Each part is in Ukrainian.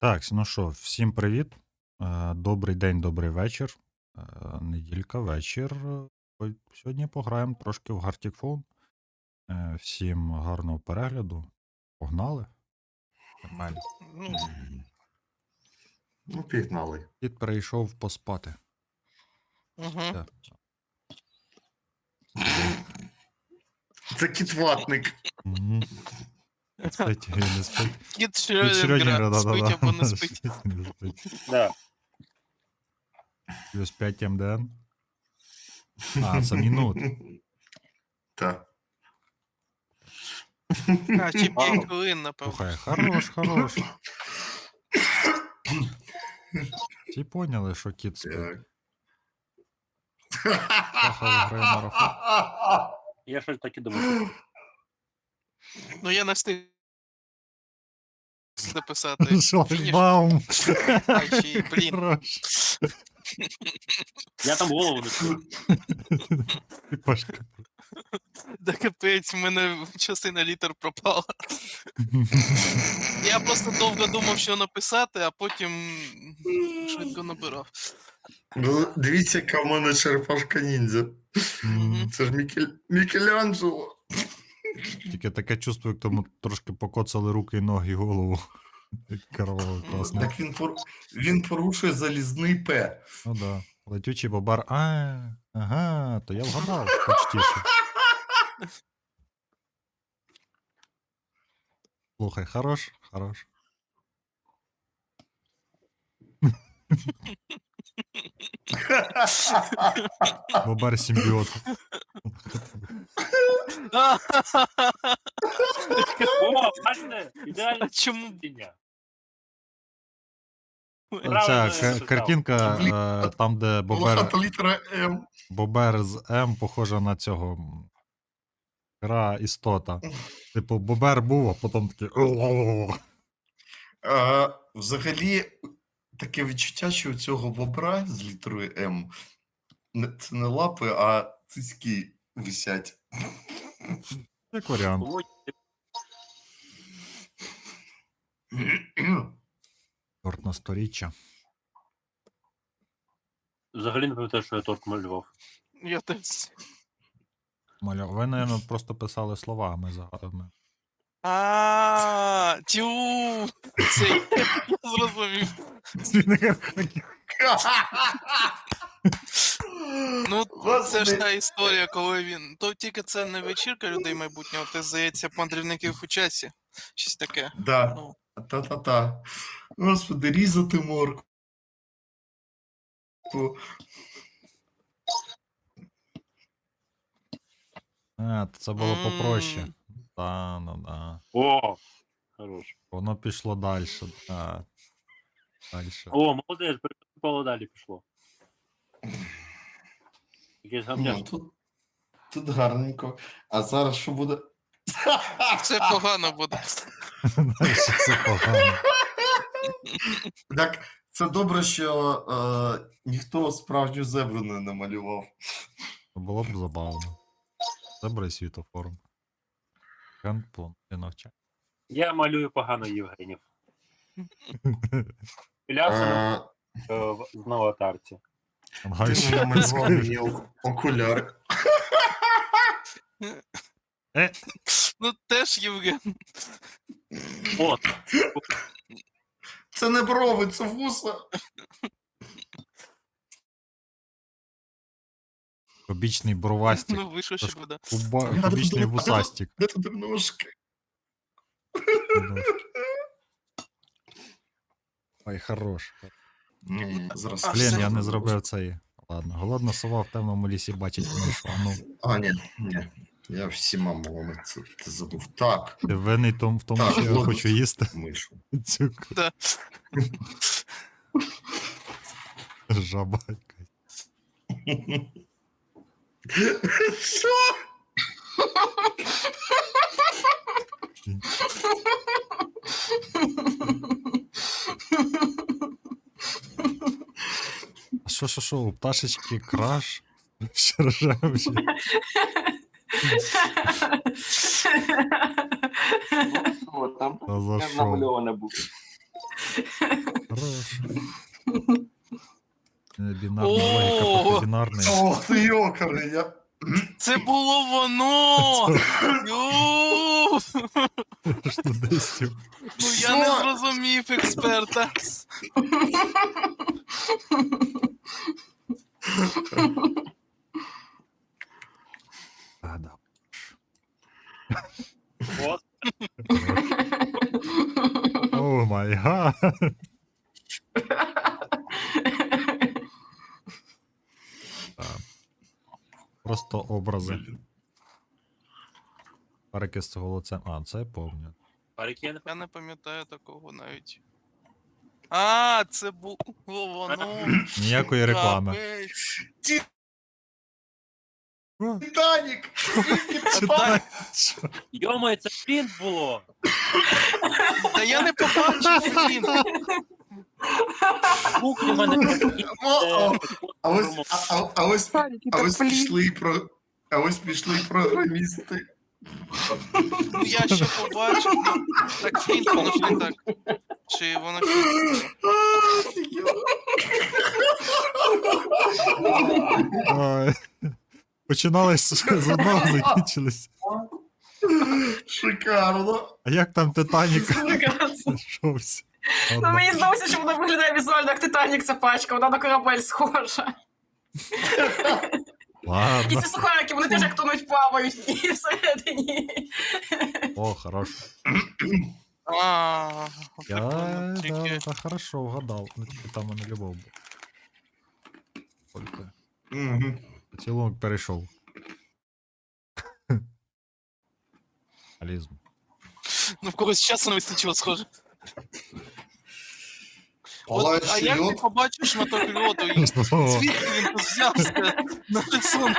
Так, ну що, всім привіт. Добрий день, добрий вечір. Неділька, вечір. Сьогодні пограємо трошки в Gartic Phone. Всім гарного перегляду. Погнали. Нормально. Ну, Ну, пігнали. Кіт перейшов поспати. угу. Так. Це кітватник. Мгм. Спить, не спить. Кіт Кіт Шрёдінгера, да-да-да. спить або не спить. Спить, не спить. Да. Плюс 5 МДН. Це минут. Так. А, чи 5 хвилин, напевно. Слухай, хорош. Всі поняли, що кіт спить. Так. Пахав грає марафон. Я щось так і думав. Ну, я не встиг написати. Шлагбаум. А, ще й, блін. Хорош. Я там голову не чую. Пашка. Да капець, в мене частина літер пропала. Я просто довго думав, що написати, а потім швидко набирав. Ну, дивіться, яка в мене черепашка ніндзя. Мгм. Це ж Мікеланджело. Тільки таке чувство, як тому трошки покоцали руки, ноги і голову. Кроваво класно. Так він порушує залізний П. Ну да. Летючий бобар. Ага, то я вгадав почтіше. Слухай, хорош. Бобар симбіот. О, бачите? Ідеальна А чому? дня. Ця картинка, там, де Волохата літера М. Бобер з М похожа на цього гра істота. Типу, Бобер був, а потім такий. Взагалі, таке відчуття, що у цього бобра з літерою М це не лапи, а цицьки висять. Як варіант. Торт на сторіччя. Взагалі не пам'ятаю, що я торт малював. Я теж. Ви, мабуть, просто писали слова, а ми загадами. Тю! Це я зрозумів. Ну, це ж та історія, коли він. То тільки це не вечірка людей майбутнього, це, здається, мандрівників у часі. Щось таке. Да. Ну, Та-та-та. Господи, різати морку. Це було попроще. Да. О, хорош. Воно пішло далі. Дальше. О, молодець, перепало далі пішло. Якесь Ну, гамняш. тут гарненько. А зараз що буде? Все погано буде. Дальше все погано. Так, це добре, що ніхто справжню зебру не намалював. Було б забавно. Добрий світофорум. Гандплон. Ти навчай. Я малюю погано Євгенів. Пілявся в аватарці. Ти намалював мені окуляри. Ну, теж Євген. От. Це не брови, це вуса. Кубічний бровастик. Ну, вийшло, що буде. Кубічний вусастик. Де тут ножки? Ой, хорош. Ні, зараз. Блін, я не зробив цей. Ладно, голодна сова в темному лісі бачить мишу. А ну, Ні. Я всіма мовами це забув. Так, ти винний в тому, Так, що я голодна хочу їсти. мишу. Цю Да. жаба. Що? А що, у пташечки краш? Шаржавші. О, там А за я що? намальована був. Хорош. Бінарна логіка О! проти бінарної. О, ти йокари, я... Це було воно! Ю! Студентів. Ну я не зрозумів експерта. А, да. От. О май гад. Так. Просто образи. Перекис з голоцем. А, це я помню. Парікен. Я не пам'ятаю такого навіть. А, це було воно. Ніякої реклами. Капець. О, Титанік! це так. Що? Йомо, це фінт було! Та я не побачив фільм. Звук у мене такий, А ось, а ось, Садики, а так ось пішли а ось пішли програмісти. Ну я ще побачив. Ну, так фільм, воно ж не так. Чи воно фільм? Ой. Починалось з одного, закінчилось. Шикарно. А як там Титанік? Шовся. Ну, мені здалося, що вона виглядає візуально як Титанік, ця пачка, вона на корабель схожа. І Ладно. ці сухарики, вони теж як тонуть плавають і всередині. О, хорош. А, Я, прикольно. Тільки- да, хорошо вгадав. Ну, тільки там у мене любов був. Тільки Мгм. поцілунок перейшов. Алізм. Ну в когось часу не вистачило, схоже. От, а Палаючий як ти льод. побачиш на той льоду? І звідки він тут взявся на рисунку?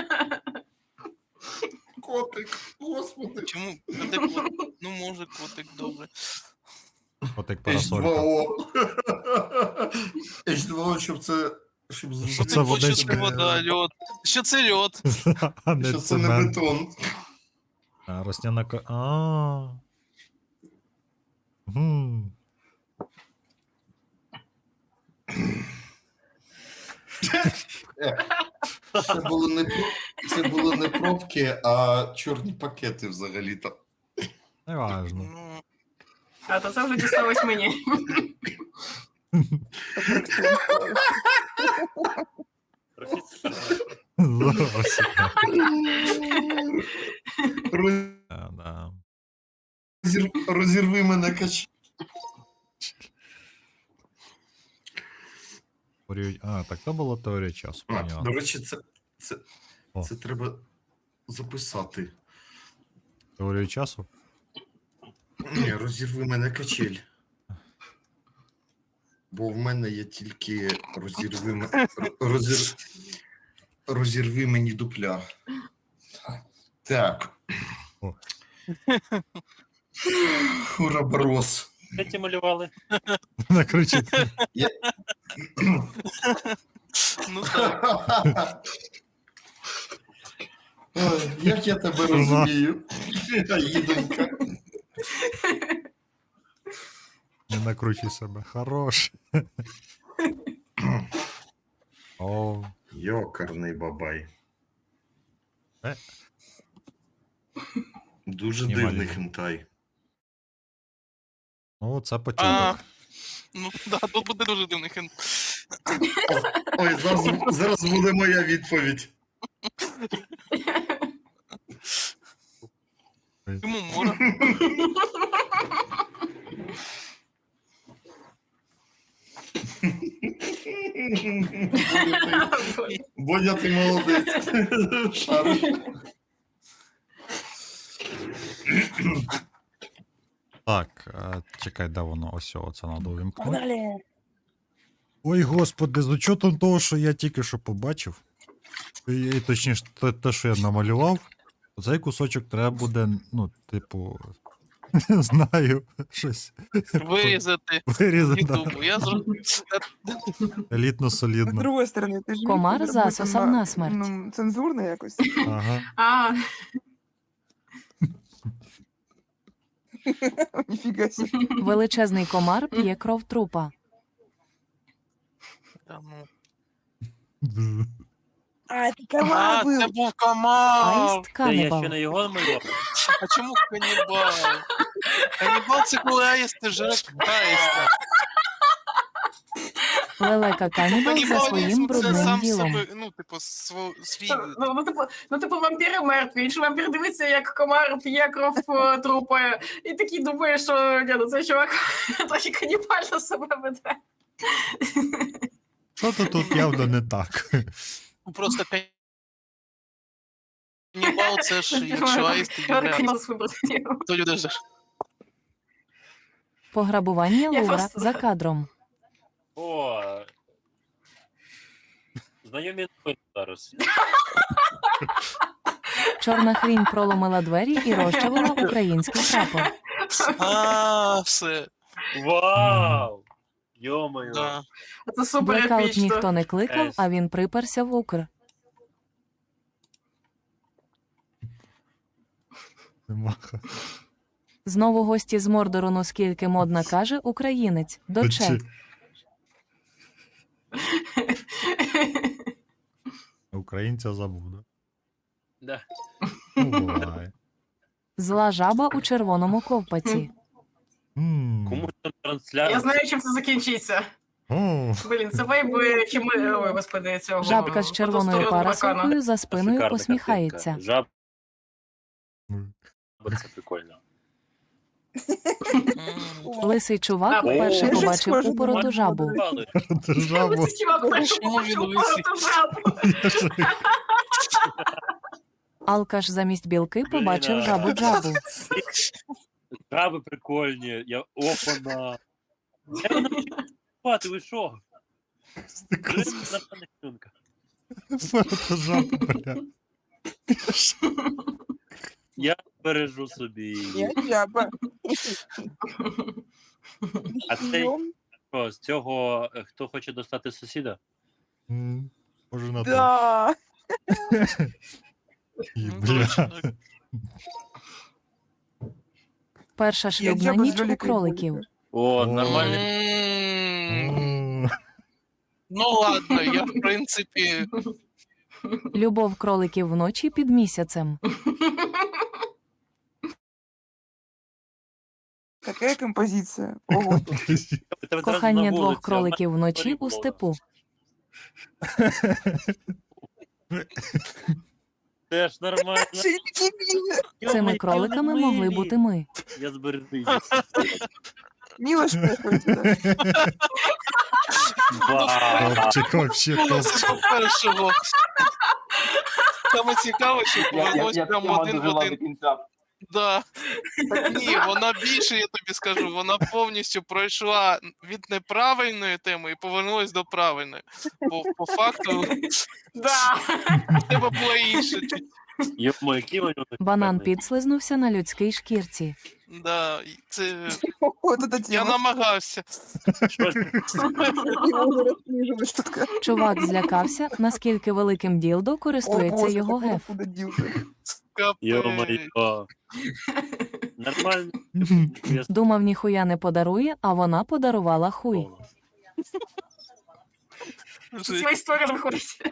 Котик, господи. Чому? А де котик? Ну може котик, добре. Отак парасолька. H2O. H2O, щоб це... Щоб Що це Типу, що водичка? це вода, льод. Що це льод? А не Що це не цемент. бетон. А, росняна ко... А. Гм. Це були не пробки, а чорні пакети взагалі-то. Неважно. Ну, А то це вже дісталось мені. Зовсім. Роз- Да. Розірви мене кач. А, так то була теорія часу. До Понятно. речі, О. це треба записати. Теорію часу? Ні, розірви мене качель. Бо в мене є тільки розірви мені дупля. Так. О. Уроборос. Де ті малювали? Накричить. ну так. Ой, як я тебе розумію, їдонька. Не накручуй себе. Хорош. О, Йокарний бабай. Е. Дуже Знімали. дивний хентай. ну це А, початок. ну да, тут буде дуже дивний хен. Ой, зараз буде моя відповідь. Йому море. Бодя, ти молодець. Шариш. Так, чекай, де воно? Ось це треба увімкнути. Ой, господи, з учетом того, що я тільки що побачив, і точніше, те, що я намалював, цей кусочок треба буде, ну, типу, не знаю, щось Вирізати вирізати. да. Ютубу. Я зрозумів. Елітно З солідно. другої сторони, ти ж міг Комар зробити засосав насмерть. ну, цензурно якось. Ага. А, Ніфіга себе. Величезний комар п'є кров трупа. Та ну. А, це А, комар це був. був комар! Аїст Це я канібал. ще не його малював. А чому канібал? Канібал це коли аїсти жрать аїста. Лелека канібал за своїм це брудним сам ділом. себе, ну, типу, свій... Ну, вампіри мертві. Інший вампір дивиться, як комар п'є кров трупа. І такий думає, що ні, ну цей чувак трохи канібально себе веде. Що-то тут явно не так. Просто канібал це ж, якщо аїсти їдять, Канібал з вибором. то люди ж... Пограбування Я Лувра просто- за кадром. О, знайомі новини зараз. Чорна хрінь проломила двері і розчавила український прапор. А, все, Вау! Йо-моє. да. Це супер Блекаут епічно. ніхто не кликав, Ес. а він приперся в Укр. Нема. Знову гості з Мордору, ну скільки модна каже українець. Доче. Чи- Українця забуде. Да. Ну, буває. Зла жаба у червоному ковпаці. Кому там трансляція? Я знаю, чим це закінчиться. О, Блін, це вайби Хіми... Ой, господи, цього... Жабка з червоною потустороннього парасолькою за спиною Шикарна посміхається. картинка. Жаба, ну, це прикольно. Лисий чувак О, вперше я ж побачив схожа на упороту жабу. Мали. ти жабу. Ось цей чувак перший Чому він побачив лисий? пару жабу. Алкаш замість білки побачив Блін, жабу джабу. Жаби прикольні. Я опана. Я вона спати, ви що? Нормальна хюнка. Фото жабу, бля. Я бережу собі. Я жаба. А цей що, з цього хто хоче достати сусіда? Може на то. Да. І, Ну, бля. точно. Перша шлюбна жаба з ніч у великої кроликів. вулиці. О, О. нормальний. М, Ну ладно, я в принципі... Любов кроликів вночі під місяцем. Какая композиция? Ого. Тебе зараз Кохання на двох вулиці, кроликів а в мене вночі було. у степу. Теж нормально. Чи не мило? Цими кроликами могли бути ми. Я збережу. Мило шпехають, да. Топчик вообще топ. Це першого. Саме цікаве, що повернусь прямо один в один. Да. Ні, вона більше, я тобі скажу, вона повністю пройшла від неправильної теми і повернулась до правильної. Бо по факту Да. в тебе було інше. Йомо, які вони Банан шикарні. підслизнувся на людській шкірці. Да, і це... Вот эта Я тема. намагався. Що ж? Его уже раскниживаешь тут. Чувак злякався, наскільки великим ділдо користується його геф. Капець. Йо-моє. Нормально. Я Думав, ніхуя не подарує, а вона подарувала хуй. Ця історія виходить.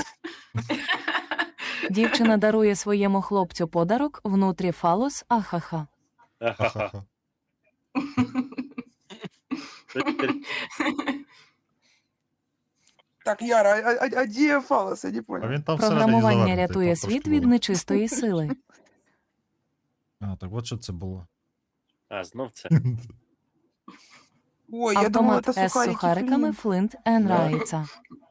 Дівчина дарує своєму хлопцю подарок, внутрі фалос, ахаха. Ха-ха-ха. Так, Яра, а где фалос? Я не А понял. він там Програмування всередині рятує завернутий, світ типу, від трошки нечистої сили. А, так от що це було. А, знов це. Ой, я думала, Автомат это з сухарики сухариками Флинт. Флинт ен Райца.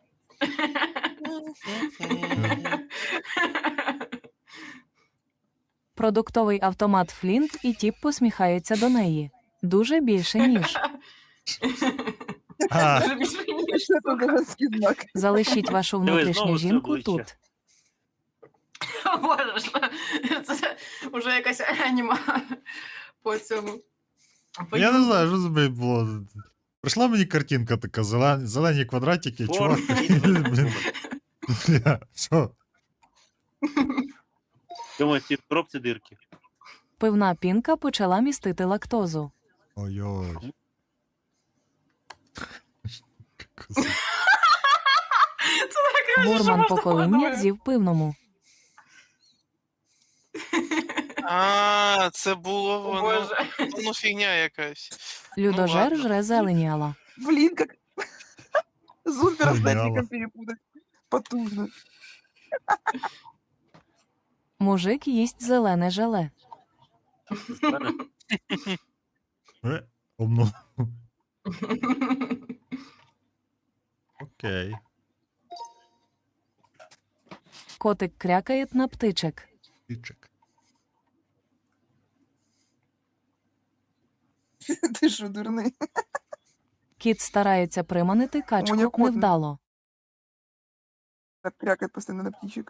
Продуктовий автомат Флінт і тіп посміхається до неї. Дуже більше, ніж. А, Дуже більше, ніж Что это за женский знак? Залишіть вашу Диви, внутрішню знову це жінку обличчя. тут. О, Боже, це вже якась аніма по цьому. я не знаю, що це було. Прийшла мені картинка така, зелені квадратики, чувак. Блін, бля, що? Думаю, ці в коробці дирки. Пивна пінка почала містити лактозу. Ой-ой. Бурман покоління з'їв пивному. А, це було О, воно. Боже. Ну, фігня якась. Людожер ладно. жре зеленіала. Блин, как... Зумпера с Гениально. Нетфликом перепутать. Потужно. Мужик їсть зелене желе. Умно. Окей. Котик крякає на птичек. Пічик. Ты что, дурный? Кіт старається приманити мене качку кот невдало. Так крякает постоянно на птичек.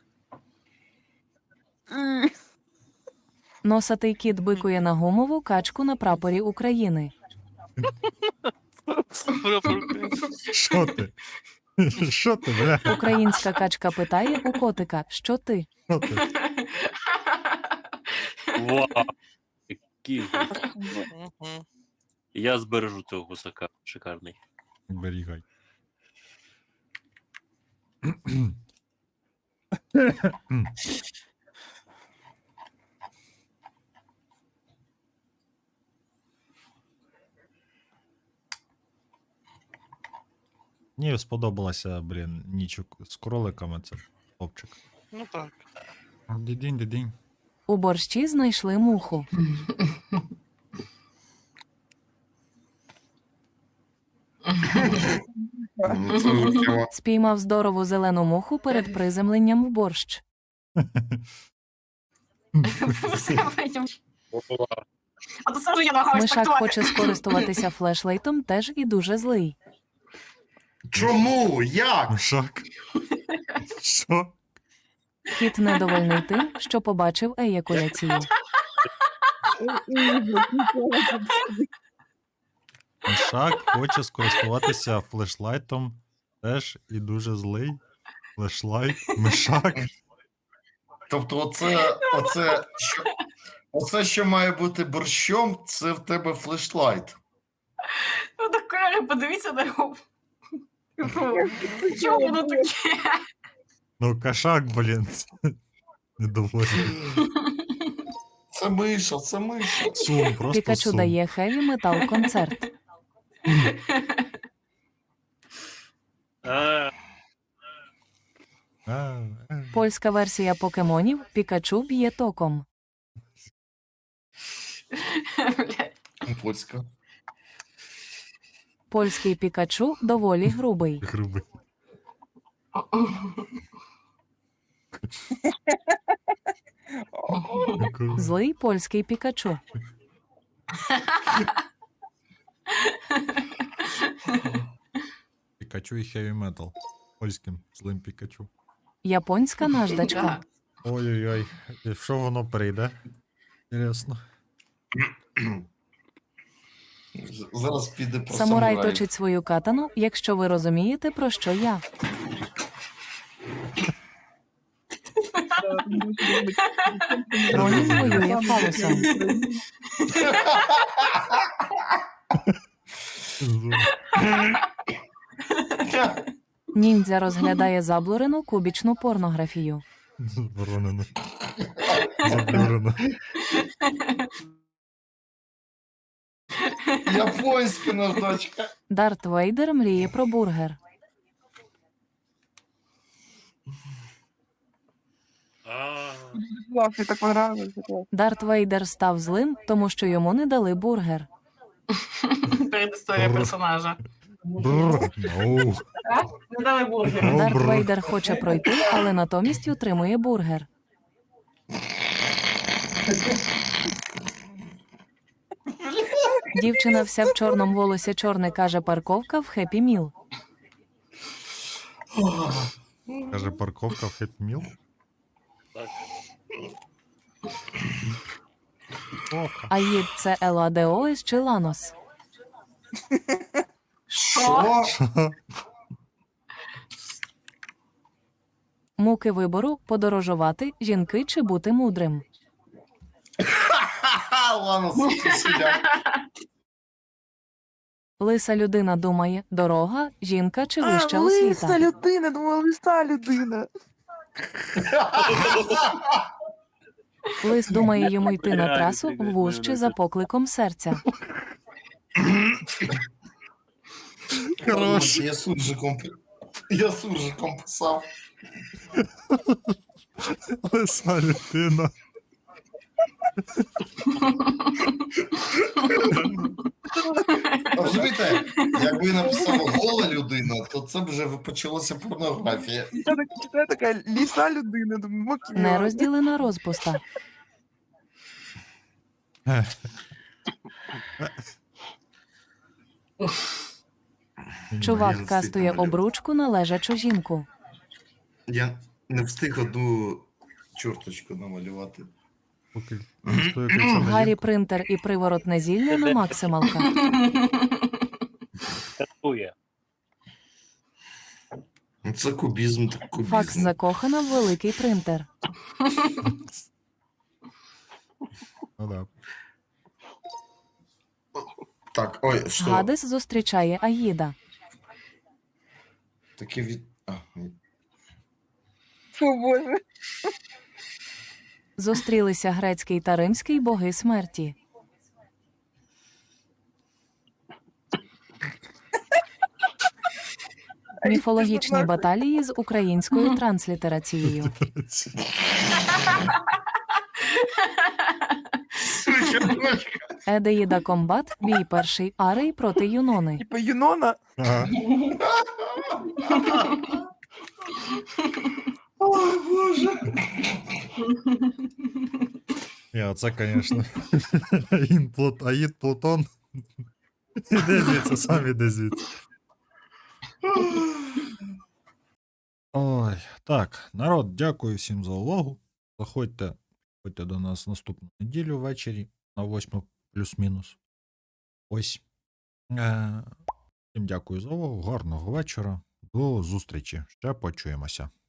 Носатий кіт бикує на гумову качку на прапорі України. Що ти? Що ти, бля? Українська качка питає у котика, що ти? Що ти? Вау! Який же. Мгм. Я збережу цього гусака. Шикарний. Берігай. Мені сподобалася, блін, ніч з кроликами, це хлопчик. Ну так. Дідінь, дідінь. У борщі знайшли муху. Ну, це жахливо. Спіймав здорову зелену муху перед приземленням в борщ. А то сразу я намагаюсь Мишак трактувати. хоче скористуватися флешлайтом, теж і дуже злий. Чому? Як? Мишак. Що? Кіт недовольний тим, що побачив еякуляцію. Мишак хоче скористуватися флешлайтом, теж і дуже злий. Флешлайт, мишак. Тобто, оце, що має бути борщом, це в тебе флешлайт. Ну так, кольори, подивіться на його. Чого воно таке? Ну, кошак, блін. Недоволі. Це миша, це миша. Сум, просто Пікачу сум. дає хеві метал концерт. А, Польська версія покемонів Пікачу б'є током. Блядь. Польська. Польський Пікачу доволі грубий. Грубий. Злий польський Пікачу. Пікачу і хеві метал. Польським злим Пікачу. Японська наждачка. Да. Ой-ой-ой. І що воно прийде? Інтересно. Зараз піде про Самурай самураїв. точить свою катану, якщо ви розумієте, про що я. Ронін воює фалосом. Ніндзя розглядає заблурену кубічну порнографію. Заборонено. Заблюрено. Японська наждачка. Дарт Вейдер мріє про бургер. Классно, так понравилось. Дарт Вейдер став злим, тому що йому не дали бургер. Передісторія персонажа. Бррр. Оу. Не дали бургер. О, Дарт бррр. Вейдер хоче пройти, але натомість утримує бургер. Дівчина вся в чорному, волосся чорне, каже парковка в Хеппі Міл. Каже, парковка в Happy Meal. так. Оха. Аїд – це Еладеоес чи Ланос. Що? Що? Муки вибору – подорожувати, жінки чи бути мудрим. Ладно, сидя. Лиса людина думає, дорога, жінка чи вища лиса освіта. людина, думала, лиса людина. Лис думає йому йти на Реально, трасу блін, ввужче за покликом серця. Хорош. Я суржиком писав. Лиса людина. Розумієте, якби написав гола людина, то це б вже почалася порнографія. Я так читаю, така ліса людина, думаю, окей. Нерозділена розпуста. Чувак кастує обручку на лежачу жінку. Я не встиг одну чорточку намалювати. Поки не стоїть це на Гаррі жінку. принтер і приворотне зілля на максималка. Катує. Ну, це кубізм, так кубізм. Факс закохана в великий принтер. Ну, да. Так, ой, що? Гадес зустрічає Аїда. Таке від... ні. О, Боже. Зустрілися грецький та римський боги смерті. Міфологічні баталії з українською транслітерацією. Едеїда комбат, бій перший Арей проти Юнони. Типа Юнона. Ага. Ой, Боже. Це, звісно. Аїд Плутон. Іди звідси, сам іди звідси. Ой, так, народ, дякую всім за увагу. Заходьте до нас наступну неділю ввечері на 8 плюс-мінус. Ось. Всім дякую за увагу, гарного вечора. До зустрічі. Ще почуємося.